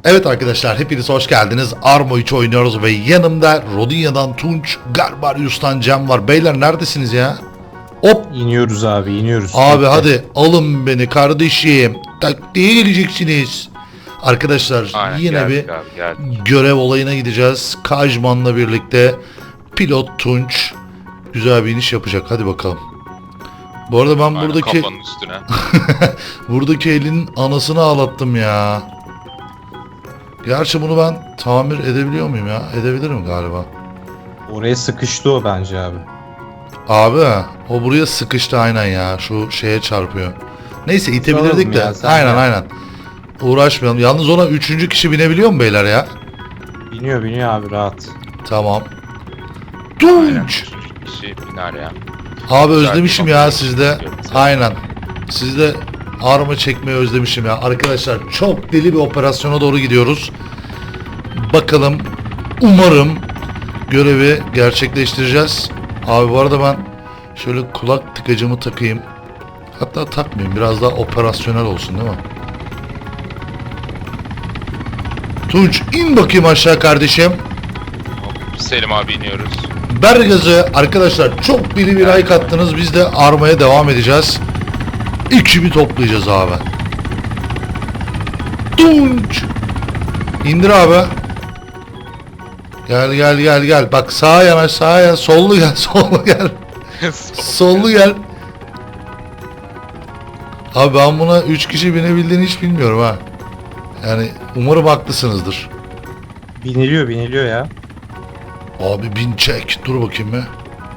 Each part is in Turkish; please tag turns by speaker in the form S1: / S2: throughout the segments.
S1: Evet arkadaşlar, hepiniz hoş geldiniz. Arma 3 oynuyoruz ve yanımda Rodinia'dan Tunç, Garbarius'tan Cem var. Beyler neredesiniz ya? Hop!
S2: İniyoruz abi, iniyoruz.
S1: Abi
S2: Bekle.
S1: hadi alın beni kardeşim. Taktiğe geleceksiniz. Arkadaşlar
S3: Aynen,
S1: yine
S3: geldik
S1: bir
S3: abi, geldik.
S1: görev olayına gideceğiz. Kajman'la birlikte pilot Tunç güzel bir iniş yapacak. Hadi bakalım. Bu arada ben
S3: Aynen,
S1: buradaki
S3: kafanın üstüne.
S1: buradaki elin anasını ağlattım ya. Gerçi bunu ben tamir edebiliyor muyum ya? Edebilirim galiba.
S2: Oraya sıkıştı o bence abi.
S1: Abi o buraya sıkıştı aynen ya. Şu şeye çarpıyor. Neyse itebilirdik
S2: Soralım
S1: de.
S2: ya, sen
S1: Aynen
S2: ya.
S1: aynen. Uğraşmayalım. Yalnız ona 3. kişi binebiliyor mu beyler ya?
S2: Biniyor abi rahat.
S1: Tamam.
S3: Aynen.
S1: Tunç.
S3: Kişi biner ya.
S1: Abi
S3: Güzel
S1: özlemişim
S3: bir
S1: ya
S3: bakış
S1: sizde.
S3: istiyorum sana.
S1: Aynen. Sizde arma çekmeyi özlemişim ya. Arkadaşlar çok deli bir operasyona doğru gidiyoruz. Bakalım. Umarım görevi gerçekleştireceğiz. Abi bu arada ben şöyle kulak tıkacımı takayım. Hatta takmayayım. Biraz daha operasyonel olsun değil mi? Tunç in bakayım aşağı kardeşim.
S3: Selim abi iniyoruz.
S1: Ver gazı. Arkadaşlar çok deli bir like attınız. Biz de armaya devam edeceğiz. Ekibi toplayacağız abi. Tunç. İndir abi. Gel gel gel gel. Bak sağa yanaş sağa yanaş. Sollu gel sollu gel. Sollu gel. Abi ben buna 3 kişi binebildiğini hiç bilmiyorum ha. Yani umarım haklısınızdır.
S2: Biniliyor ya.
S1: Abi bin çek. Dur bakayım bir.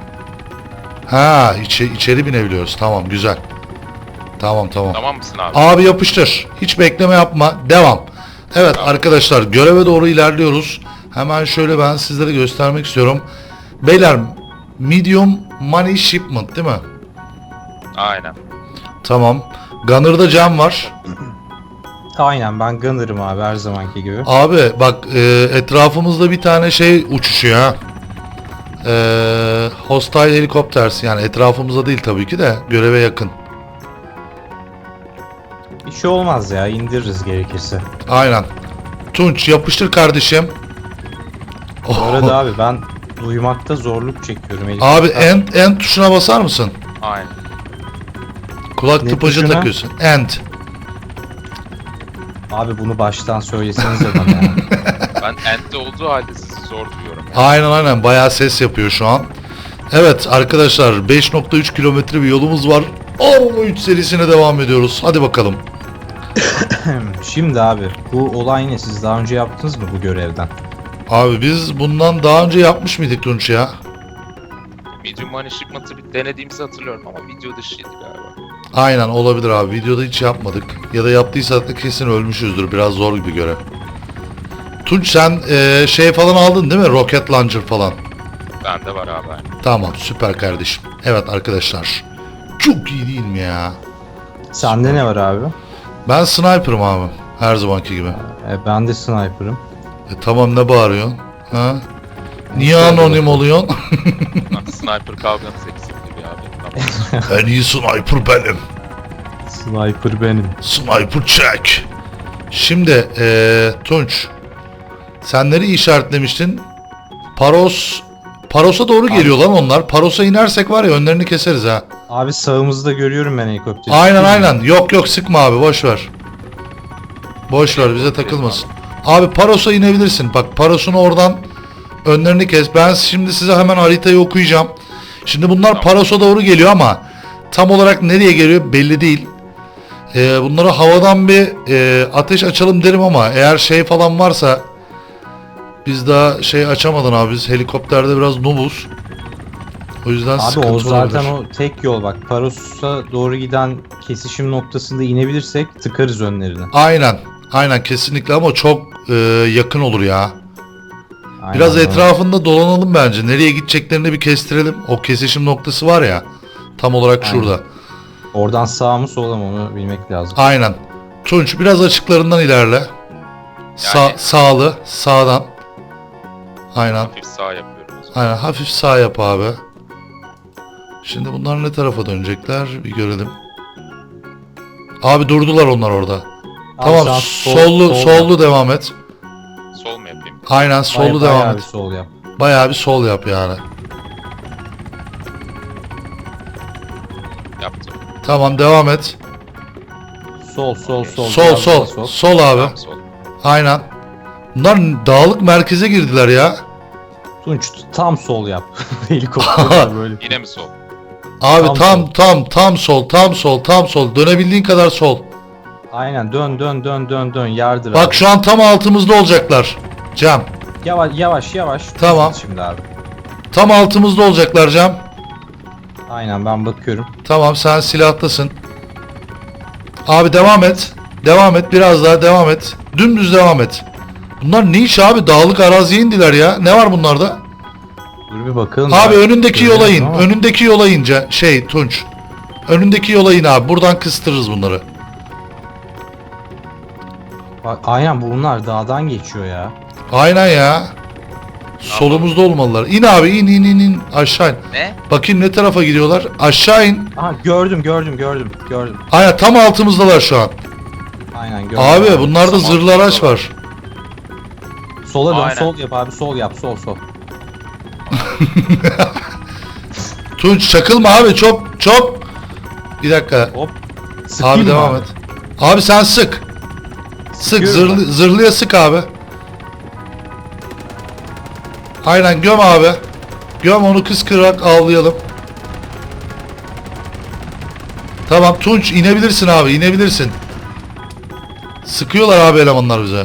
S1: Ha içeri binebiliyoruz. Tamam güzel. Tamam.
S3: Tamam mısın abi?
S1: Abi yapıştır. Hiç bekleme yapma. Devam. Evet arkadaşlar göreve doğru ilerliyoruz. Hemen şöyle ben sizlere göstermek istiyorum. Beyler medium money shipment değil mi?
S3: Aynen.
S1: Tamam. Gunner'da Cam var.
S2: Aynen ben gunner'ım abi her zamanki gibi.
S1: Abi bak etrafımızda bir tane şey uçuşuyor ha. Hostile helikopters yani etrafımızda değil tabii ki de göreve yakın.
S2: Bir şey olmaz ya indiririz gerekirse.
S1: Aynen. Tunç yapıştır kardeşim.
S2: Bu arada abi ben duymakta zorluk çekiyorum.
S1: Abi
S2: Helikopter-
S1: end tuşuna basar mısın?
S3: Aynen.
S1: Kulak
S2: Ne
S1: tıpacı
S2: tuşuna?
S1: takıyorsun. End.
S2: Abi bunu baştan söylesenize bana ya.
S3: Ben end'de olduğu halde sizi zor duyuyorum. Yani.
S1: Aynen bayağı ses yapıyor şu an. Evet arkadaşlar 5.3 kilometre bir yolumuz var. Arma 3 serisine devam ediyoruz. Hadi bakalım.
S2: Şimdi abi bu olay ne? Siz daha önce yaptınız mı bu görevden?
S1: Abi biz bundan daha önce yapmış mıydık Tunç ya?
S3: Medium money shipment'ı bir denediğimizi hatırlıyorum ama video dışıydı galiba.
S1: Aynen olabilir abi. Videoda hiç yapmadık. Ya da yaptıysak da kesin ölmüşüzdür. Biraz zor gibi görev. Tunç sen şey falan aldın değil mi? Rocket launcher falan.
S3: Bende var abi. Aynen.
S1: Tamam süper kardeşim. Evet arkadaşlar. Çok iyi değil mi ya?
S2: Sende ne var abi?
S1: Ben sniper'ım abi. Her zamanki gibi.
S2: Ben de sniper'ım.
S1: Tamam ne bağırıyorsun? Ha? Niye
S2: Şöyle
S1: anonim
S2: bakayım.
S1: oluyorsun?
S3: Sniper kavganız eksikti bir abi. Tamam.
S1: En iyi sniper benim.
S2: Sniper benim.
S1: Sniper check. Şimdi Tunç. Sen nereyi işaretlemiştin? Paros'a doğru geliyor lan onlar. Paros'a inersek var ya önlerini keseriz ha.
S2: Abi sağımızda görüyorum ben helikopteri.
S1: Aynen. Yok sıkma abi boş ver. Boş ver bize takılmasın. Abi Paros'a inebilirsin. Bak Paros'un oradan önlerini kes. Ben şimdi size hemen haritayı okuyacağım. Şimdi bunlar
S3: Tamam.
S1: Paros'a doğru geliyor ama tam olarak nereye geliyor belli değil. Bunlara havadan bir ateş açalım derim ama eğer şey falan varsa biz daha şey açamadan abi biz helikopterde biraz noobuz. O yüzden
S2: Abi
S1: sıkıntı
S2: o zaten
S1: olabilir.
S2: o tek yol bak. Paros'a doğru giden kesişim noktasında inebilirsek tıkarız önlerine.
S1: Aynen kesinlikle ama çok yakın olur ya.
S2: Aynen,
S1: Biraz
S2: evet.
S1: etrafında dolanalım bence. Nereye gideceklerini bir kestirelim. O kesişim noktası var ya. Tam olarak
S2: Aynen.
S1: şurada.
S2: Oradan sağ mı sola mı onu bilmek lazım.
S1: Aynen. Tunç biraz açıklarından ilerle.
S3: Yani-
S1: Sağlı. Sağdan. Aynen.
S3: Hafif sağ yapıyorum o zaman.
S1: Aynen. Hafif sağ yap abi. Şimdi bunlar ne tarafa dönecekler? Bir görelim. Abi durdular onlar orada.
S2: Abi
S1: Tamam
S2: sen
S1: sollu
S2: sol
S1: sollu devam et. Aynen solu
S2: Bayağı
S1: devam
S2: bir
S1: et.
S2: sol yap.
S1: Bayağı bir sol yap yani.
S3: Yaptım.
S1: Tamam devam et.
S2: Sol.
S1: Sol
S2: biraz
S1: sol.
S2: daha
S1: Sol abi.
S3: Tamam sol.
S1: Aynen. Bunlar dağlık merkeze girdiler ya.
S2: Tunç tam sol yap. Helikopter böyle.
S3: Yine mi sol?
S1: Abi
S2: Tam
S1: tam sol. Dönebildiğin kadar sol.
S2: Aynen dön yardır
S1: Bak
S2: abi.
S1: şu an tam altımızda olacaklar. Cem.
S2: Yavaş.
S1: Tamam.
S2: Şimdi abi.
S1: Tam altımızda olacaklar Cem.
S2: Aynen ben bakıyorum.
S1: Tamam sen silahtasın. Abi devam et. Devam et biraz daha devam et. Dümdüz devam et. Bunlar ne iş abi? Dağlık araziye indiler ya. Ne var bunlarda?
S2: Dur bir bakalım.
S1: Abi
S2: Ben
S1: önündeki yola
S2: görmedim
S1: in.
S2: ama.
S1: Önündeki yola in Tunç. Önündeki yola in abi. Buradan kıstırırız bunları.
S2: Bak, aynen bunlar dağdan geçiyor ya.
S1: Aynen ya. Solumuzda olmalılar. İn abi in aşağı in.
S3: Ne?
S1: Bakayım ne tarafa gidiyorlar. Aşağı in.
S2: Aha gördüm.
S1: Aynen tam altımızdalar şu an.
S2: Aynen gördüm.
S1: Abi bunlarda
S3: Tam
S1: zırhlı araç
S3: altımızdalar.
S1: var.
S2: Sola dön
S3: Aynen.
S2: sol yap abi sol yap sol.
S1: Tunç çakılma abi çok. Bir dakika.
S2: Hop. Sıkayım
S1: Abi
S2: mı
S1: devam et. Abi sen sık. Sık
S2: Sıkıyorum
S1: zırhlıya sık abi. Aynen göm abi. Göm onu kıskırarak avlayalım. Tamam Tunç inebilirsin abi inebilirsin. Sıkıyorlar abi elemanlar bize.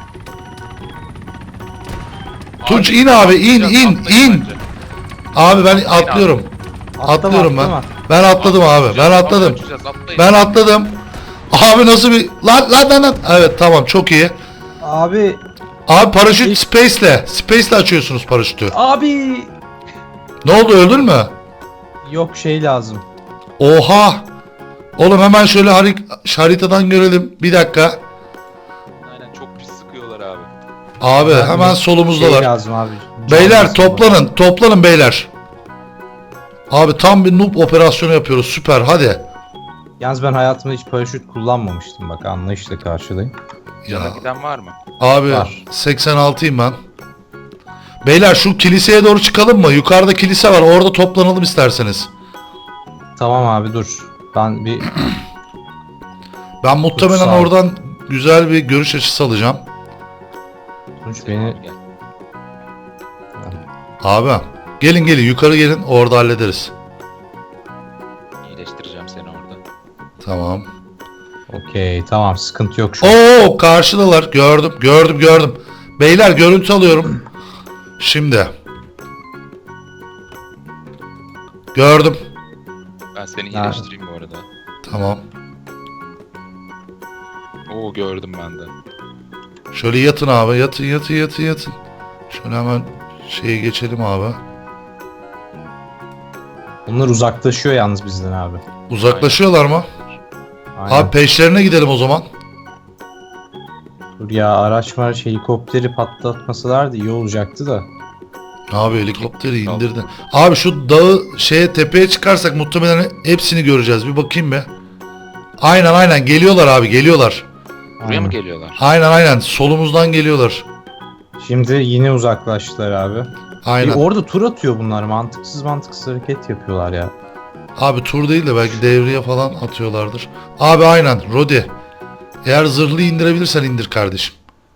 S1: Tunç in abi in
S3: Atlayın bence.
S1: Abi ben
S3: Atlayın
S1: atlıyorum. Atlıyorum ben.
S2: atlama.
S1: Ben atladım abi. Ben atladım. Ben atladım. Abi nasıl bir lan. Evet tamam çok iyi.
S2: Abi.
S1: Abi paraşüt Space'le açıyorsunuz paraşütü.
S2: Abi.
S1: Ne oldu öldün mü?
S2: Yok şey lazım.
S1: Oha. Oğlum hemen şöyle haritadan görelim. Bir dakika.
S3: Aynen çok pis sıkıyorlar abi.
S1: Abi
S2: Ben
S1: hemen
S2: de
S1: solumuzdalar.
S2: Şey lazım abi.
S1: Beyler
S2: Can
S1: toplanın beyler. Abi tam bir noob operasyonu yapıyoruz süper hadi.
S2: Yalnız ben hayatımda hiç paraşüt kullanmamıştım bak anlayışla karşılayayım.
S1: Ya,
S3: Giden var mı?
S1: abi
S2: Var.
S1: 86'yım ben. Beyler şu kiliseye doğru çıkalım mı? Yukarıda kilise var orada toplanalım isterseniz.
S2: Tamam abi dur. Ben bir
S1: Ben muhtemelen
S2: sağ ol.
S1: oradan güzel bir görüş açısı alacağım.
S2: Tunç beni
S3: Gel.
S1: Abi gelin yukarı gelin orada hallederiz.
S3: İyileştireceğim seni orada.
S1: Tamam.
S2: okey tamam sıkıntı yok şu an.
S1: Oo karşıdalar gördüm. Beyler görüntü alıyorum. Şimdi. Gördüm.
S3: Ben seni
S2: Ha.
S3: iyileştireyim bu arada.
S1: Tamam.
S3: Oo gördüm ben de.
S1: Şöyle yatın abi yatın. Şöyle hemen şeye geçelim abi.
S2: Bunlar uzaklaşıyor yalnız bizden abi.
S1: Uzaklaşıyorlar mı?
S2: Aynen.
S1: Abi peşlerine gidelim o zaman.
S2: Dur ya araç helikopteri patlatmasalardı iyi olacaktı da.
S1: Abi helikopteri indirdin. Abi şu dağı tepeye çıkarsak muhtemelen hepsini göreceğiz. Bir bakayım be. Aynen geliyorlar abi geliyorlar.
S3: Buraya
S2: Aynen.
S3: mı geliyorlar?
S1: Aynen solumuzdan geliyorlar.
S2: Şimdi yine uzaklaştılar abi.
S1: Aynen.
S2: Orada tur atıyor bunlar mantıksız hareket yapıyorlar ya.
S1: Abi tur değil de belki devriye falan atıyorlardır. Abi aynen Rodi. Eğer zırhlıyı indirebilirsen indir kardeşim.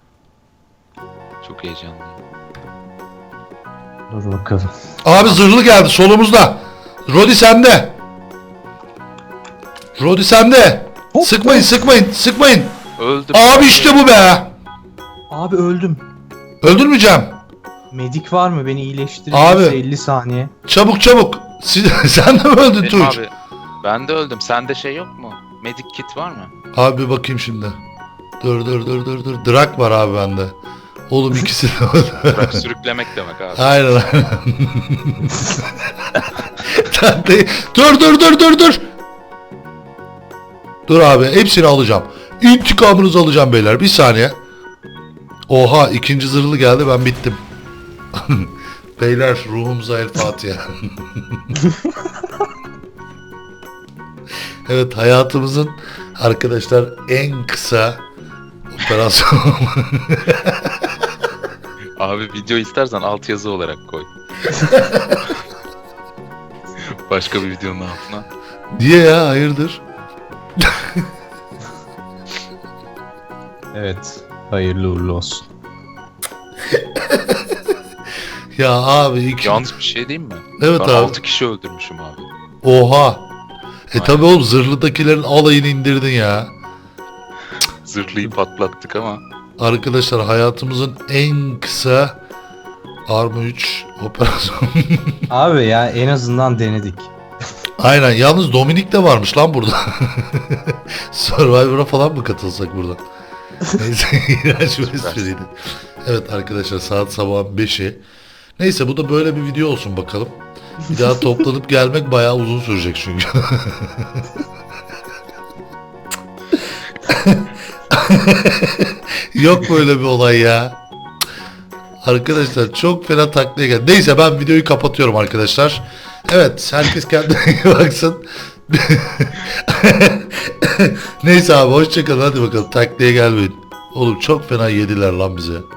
S3: Çok heyecanlıyım.
S2: Dur bakalım.
S1: Abi zırhlı geldi solumuzda. Rodi sende.
S2: Hop,
S1: Sıkmayın.
S3: Öldüm.
S1: Abi işte bu be.
S2: Abi öldüm.
S1: Öldürmeyeceğim.
S2: Medik var mı beni iyileştirir
S1: Abi.
S2: 50 saniye.
S1: Çabuk. Sen de mi öldün
S3: Benim
S1: Tunç?
S3: abi. Ben de öldüm. Sende şey yok mu? Medic kit var mı?
S1: Abi bir bakayım şimdi. Dur. Drak var abi bende. Oğlum ikisi de
S3: Bırak sürüklemek demek abi.
S1: Aynen. Dur. Dur abi hepsini alacağım. İntikamınızı alacağım beyler. Bir saniye. Oha ikinci zırhlı geldi ben bittim. Beyler ruhumuza el Fatiha. Evet hayatımızın arkadaşlar en kısa operasyon.
S3: Abi video istersen altyazı olarak koy. Başka bir videonun altına.
S1: Niye ya, hayırdır?
S2: Evet. Hayırlı uğurlu olsun.
S1: Ya abi
S3: Yalnız bir şey diyeyim mi?
S1: Evet
S3: Ben
S1: abi.
S3: 6 kişi öldürmüşüm abi.
S1: Oha.
S3: Aynen.
S1: Tabi oğlum, zırhlıdakilerin alayını indirdin ya.
S3: Zırhlıyı patlattık ama.
S1: Arkadaşlar, hayatımızın en kısa Arma 3 operasyonu.
S2: Abi ya en azından denedik.
S1: Aynen, yalnız Dominik de varmış lan burada. Survivor'a falan mı katılsak buradan? Neyse, iğrenç bir espriydi. Evet arkadaşlar, saat sabahın 5'i. Neyse, bu da böyle bir video olsun bakalım. Bir daha toplanıp gelmek bayağı uzun sürecek çünkü. Yok böyle bir olay ya. Arkadaşlar çok fena taklaya geldi. Neyse, ben videoyu kapatıyorum arkadaşlar. Evet, herkes kendine iyi baksın. Neyse abi, hoşçakalın, hadi bakalım, taklaya gelmeyin. Oğlum çok fena yediler lan bize.